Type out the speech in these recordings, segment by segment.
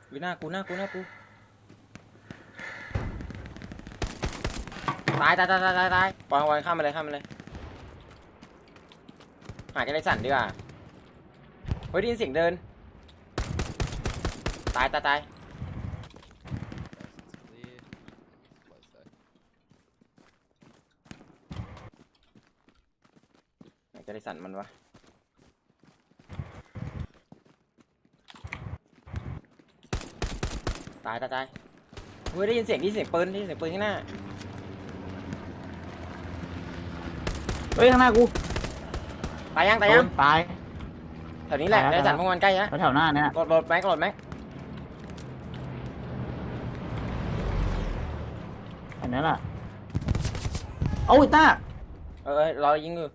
วิหน้ากูตายปล่อยข้ามมาเลยหาแกได้สั่นดีกว่าเฮ้ยได้ยินเสียงเดินตายแกได้สั่นมันวะตายเฮ้ยได้ยินเสียงปืนข้างหน้าเฮ้ยข้างหน้ากูตายยังแถวนี้แหละได้สั่นพวกมันใกล้แล้วแถวหน้าเนี่ยโหลดแม็กอันนี้แหละเอาอีต้ารอยิงอยู่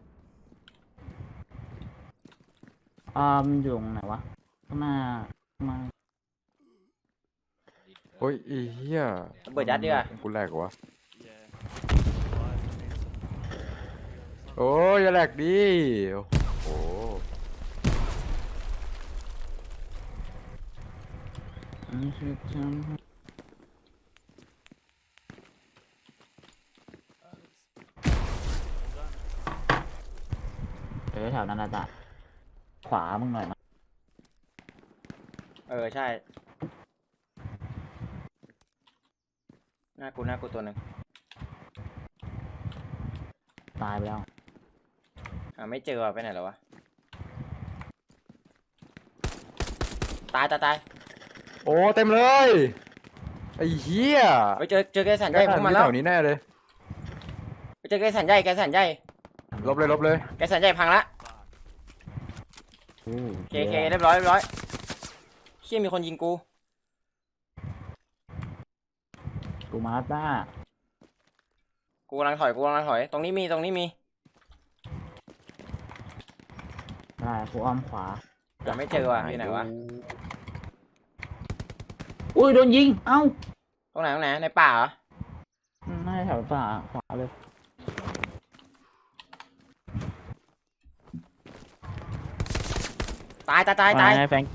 มันอยู่ตรงไหนวะข้างหน้ามาโอ้ยอีเหี้ยเปิดยัดดีกว่ากูแหลกวะโอ้ยอย่าแหลกดิโอ้แถวนั้นนะจ๊ะขวามึงหน่อยใช่หน้ากูตัวหนึ่งตายไปแล้วไม่เจอไปไหนแล้ววะตายโอ้เต็มเลยไอ้เหี้ยไปเจอแกสันใหญ่พวกมันแล้วแถวนี้แน่เลยไปเจอแกสันใหญ่ลบเลยแกสันใหญ่พังละเคเรียบร้อยเชี่ยมีคนยิงกูมาต้ากูกำลังถอยตรงนี้มีได้กูอ้อมขวายังไม่เจอว่ะที่ไหนวะอุ้ยโดนยิงเอ้าตรงไหนในป่าเหรอน่าจะแถวป่าขวาเลยตายแฟง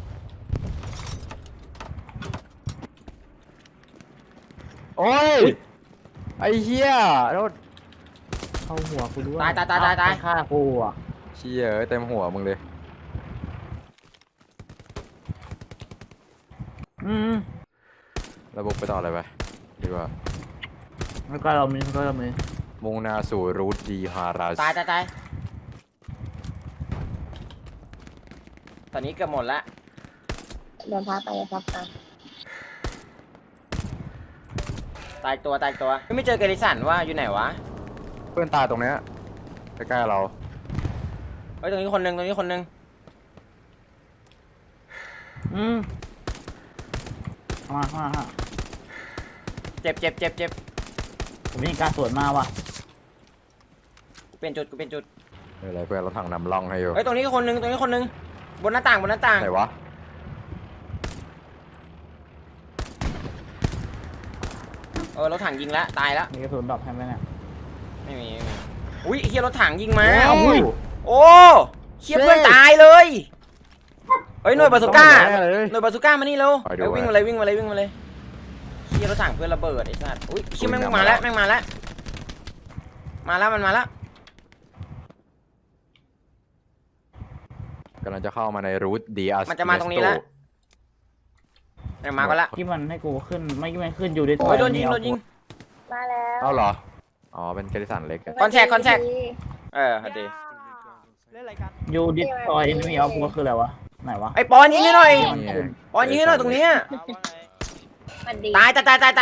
โอ้ยไอ้เหี้ยรถเข้าหัวกูด้วยตายฆ่ากูอ่ะเชี่ยเต็มหัวมึงเลยระบบไปต่ออะไรไปดีกว่าแล้วก็เรามีมุ่งหน้าสู่รูทดีฮาราสตายตอนนี้เกือบหมดละเดินพักไปตายตัวไม่เจอเกลิสันว่าอยู่ไหนวะเพื่อนตายตรงเนี้ยใกล้ๆเราเฮ้ยตรงนี้คนนึงมาเจ็บผมมีการสวนมาว่ะกูเป็นจุดอะไรเพื่อนเราถังนำร่องให้อยู่เฮ้ยตรงนี้คนนึงบนหน้าต่างไหนวะรถถังยิงแล้วตายแล้วมีกระสุนดรอปให้ไหมเนี่ยไม่มีอุ้ยเฮียรถถังยิงมาโอ้เฮียเพื่อนตายเลยเฮ้ยหน่วยบาซูก้ามานี่เร็ววิ่งมาเลยเฮียรถถังเพื่อนระเบิดไอ้สัสอุ้ยเฮียแม่งมาแล้วมันมาแล้วกำลังจะเข้ามาในรูทดีอาร์มันจะมาตรงนี้แล้วมาก็แล้วที่มันให้กูขึ้นไม่ขึ้นอยู่ในโอ้ยโดนยิงมาแล้วเอาเหรออ๋อเป็นเกลิสันเล็กคอนแทคฮัดดีอยู่ดิสทอยไม่มีเอากูก็คืออะไรวะไหนวะไอปอนยิงให้หน่อยตรงนี้ตาย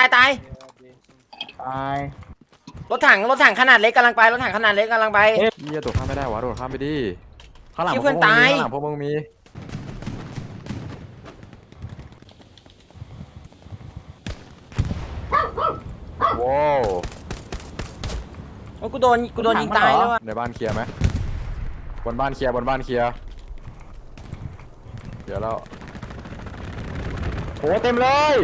รถถังขนาดเล็กกำลังไปเหี้ยตัวข้ามไม่ได้วะโดดข้ามไปดิข้างหลังพวกมึงมีว้าวกูโดนยิงตายแล้วในบ้านเคลียร์ไหมบนบ้านเคลียร์เดี๋ยวแล้วโหเต็มเลย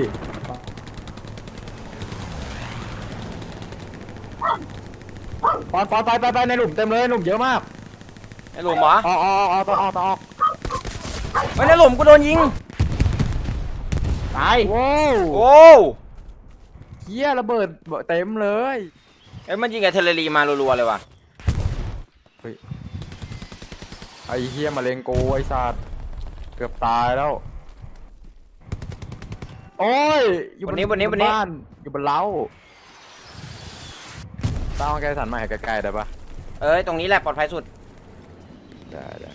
ปอนไปในหลุมเต็มเลยหลุมเยอะมากในหลุมเหรอต้องออกในหลุมกูโดนยิงตตายโว้วโอ้เฮียระเบิดเต็มเลยเอ้ยมันยิงกับเทเลรีมารัวๆเลยว่ะไอ้เฮียมาเลงกูไอ้สัตว์เกือบตายแล้วโอ้ยอยู่บ้านอยู่บนเล้าตั้งไกลสันมาให้ใกล้ๆได้ปะเอ้ยตรงนี้แหละปลอดภัยสุดได้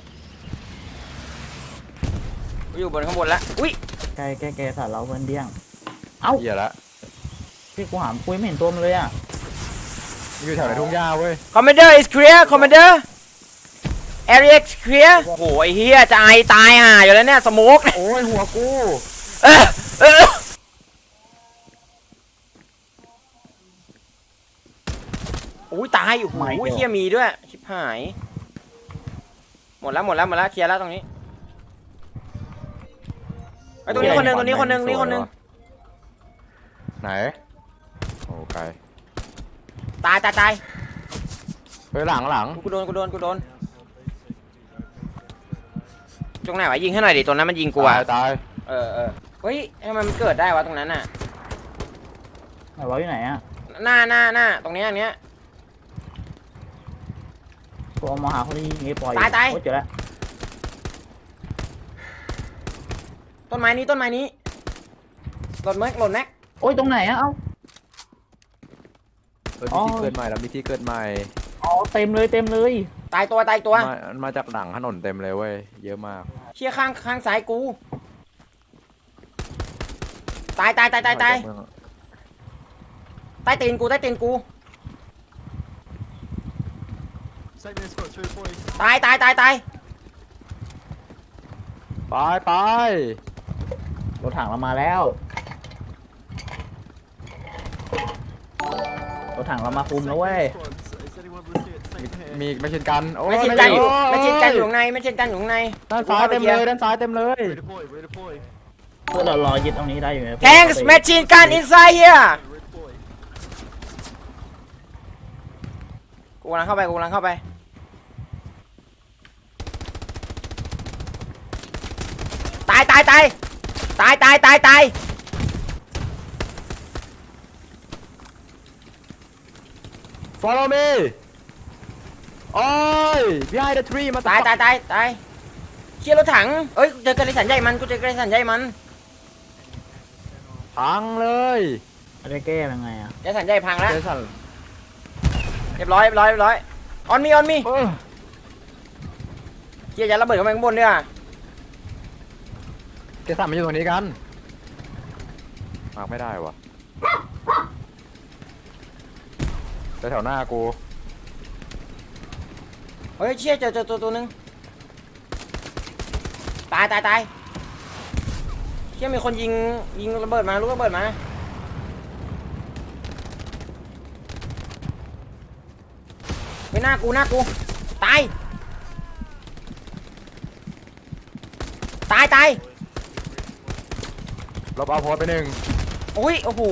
กูอยู่บนข้างบนแล้วอุ้ยแกสัตว์เราเพื่อนเดี้ยงเอ้าเฮียละพี่กูหามปุ้ยไม่เห็นตัวมันเลยอ่ะอยู่แถวไหนทุ่งหญ้าเว้ย Commander is clear Commander Area is clear โอ้โหไอ้เฮียจะไอตายห่าอยู่แล้วเนี่ยสโมกโอ้ยหัวกูเออเอออุ้ยตายโอ้โหเฮียมีด้วยชิบหายหมดแล้วเคลียร์แล้วตรงนี้ไอ้ตรงนี้คนหนึ่งนี่คนหนึ่งไหนโอ้ไกลตายเฮ้ยหลังกูโดนตรงไหนวะยิงให้หน่อยดิตรงนั้นมันยิงกูอะตายเออเฮ้ยทำไมมันเกิดได้วะตรงนั้นน่ะไหนวะอยู่ไหนอ่ะหน้าตรงนี้อันเนี้ยกูเอามาหาคนที่ยิงไอ้ปอยตายโอ้เจอแล้วต้นไม้นี้หล่นแม็กโอ้ยตรงไหนอ่ะเอ้ามีที่เกิดใหม่แล้วมีที่เกิดใหม่อ๋อเต็มเลยตายตัวมาจากหลังถนนเต็มเลยเว้ยเยอะมากเชี่ยข้างซ้ายกูตายใต้ตีนกูตายไปรถถังเรามาแล้วรถถังเรามาคุมแล้วเว้ยมีไม่เช่นกันโอ้ไม่ชินกันอยู่ข้างในด้านซ้ายเต็มเลยเพื่อเรารอยึดตรงนี้ได้อยู่ไหม Tanks machine gun inside here กูกำลังเข้าไปตาย Follow me โอ้ย behind the tree มาตายเชี่ยรถถังเอ้ยเจอกระไรสันใหญ่มันพังเลยจะแก้ยังไงอ่ะกระไรสันใหญ่พังแล้วเจสันเรียบร้อยออนมีเออเชี่ยจะระเบิดเข้าไปข้างบนเนี่ยเจสันมาอยู่ตรงนี้กันมาไม่ได้วะแถวหน้ากูเฮ้ยเชี่ยเจอตัวนึงตายเชี่ยมีคนยิงระเบิดมาลูกระเบิดมาไม่หน้ากูตายลบเอาโพสไปหนึ่งอุ้ยโอ้โห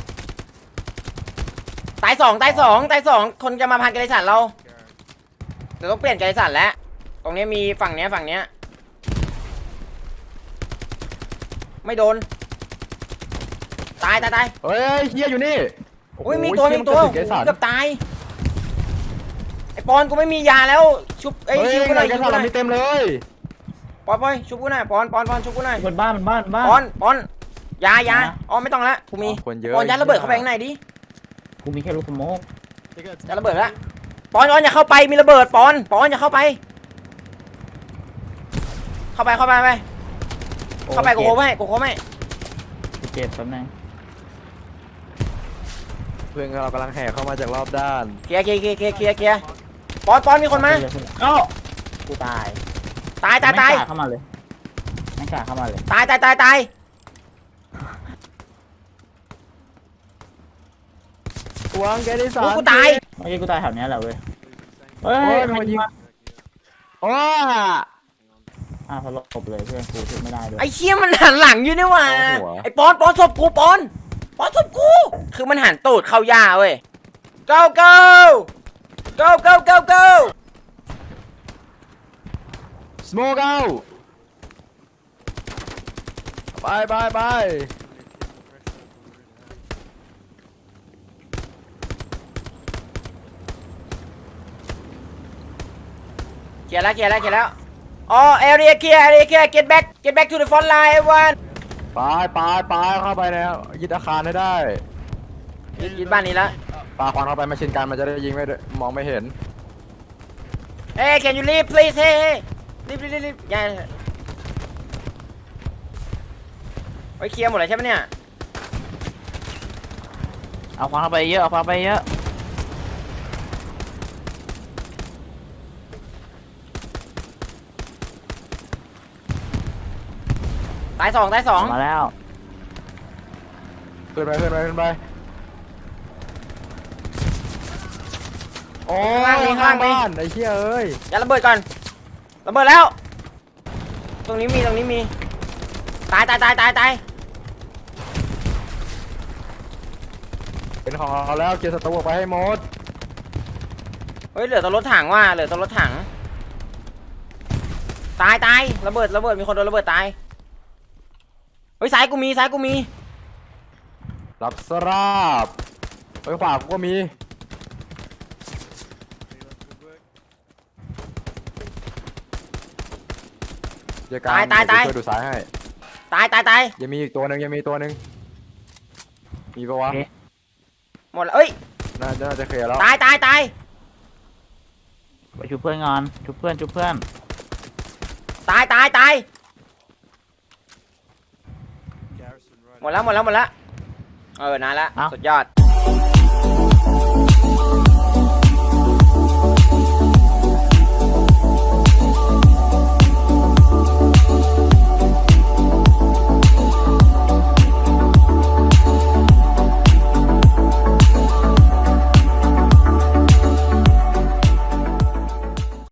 ตายสองคนจะมาพันกระไรสันเราเดี๋ยวต้องเปลี่ยนกระไรสันแล้วตรงนี้มีฝั่งเนี้ยไม่โดนตายเฮ้ยเฮียอยู่นี่อุ้ยมีตัวเกืเกือบตายไอปอนกูไม่มียาแล้วชุบไอยชุบกูหน่อยเจสันเรามีเต็มเลยปอนชุบกูหน่อยปอนชุบกูหน่อยบนบ้านปอนยาอ๋อไม่ต้องละกูมีคนเยอะปอนยัดระเบิดเข้าไปข้างในดิกูมีแค่ลูกสโมกยัดระเบิดละปอนอย่าเข้าไปมีระเบิดปอนอย่าเข้าไปกูโค้งให้เจ็บแป๊บนึงเพื่อนเรากำลังแห่เข้ามาจากรอบด้านเคลียร์ปอนมีคนมาเอ้ากูตายตายไม่กล้าเข้ามาเลยตายวางแกดิสันกูตายเมื่อกี้กูตายแถวนี้แหละเว้ยเฮ้โอ้ยยมันยิงโอ้พอลบเลยเพื่อนกูช่วยไม่ได้ด้วยไอ้เชี่ยมันหันหลังอยู่นี่หว่าไอ้ปอนศพกูปอนศพกูคือมันหันตูดเข้าหญ้าเว้ย go smoke out ไปลียร์แล้วอ๋อเอเรียเคลียร์get back to the front line everyone ไปเข้าไปแล้วยึดอาคารให้ได้ยึดบ้านนี้แล้วปาควันเข้าไปแมชชีนกันมันจะได้ยิงไม่มองไม่เห็นเอ้ย can you leave please เฮ้รีบย้ายไว้เคลียร์หมดเลยใช่ไหมเนี่ยเอาความเข้าไปเยอะเอาความไปเยอะตายสองมาแล้วขึ้นไปโอ้ยข้างบ้านไอ้เหี้ยเอ้ยอย่าระเบิดก่อนระเบิดแล้วตรงนี้มีตายเป็นของเราแล้วเกียร์ศัตรูออกไปให้หมดเฮ้ยเหลือตัวรถถังว่ะตายระเบิดมีคนโดนระเบิดตายเฮ้ยซ้ายกูมีรับสราบไปขวากูก็มีเดี๋ยวการช่วยดูซ้ายให้ตายยังมีอีกตัวหนึ่งมีปะวะหมดแล้วเอ้ยน่าจะเคลียร์แล้วตายไปชุบเพื่อนก่อนชุบเพื่อนตายหมดแล้วนานละสุดยอด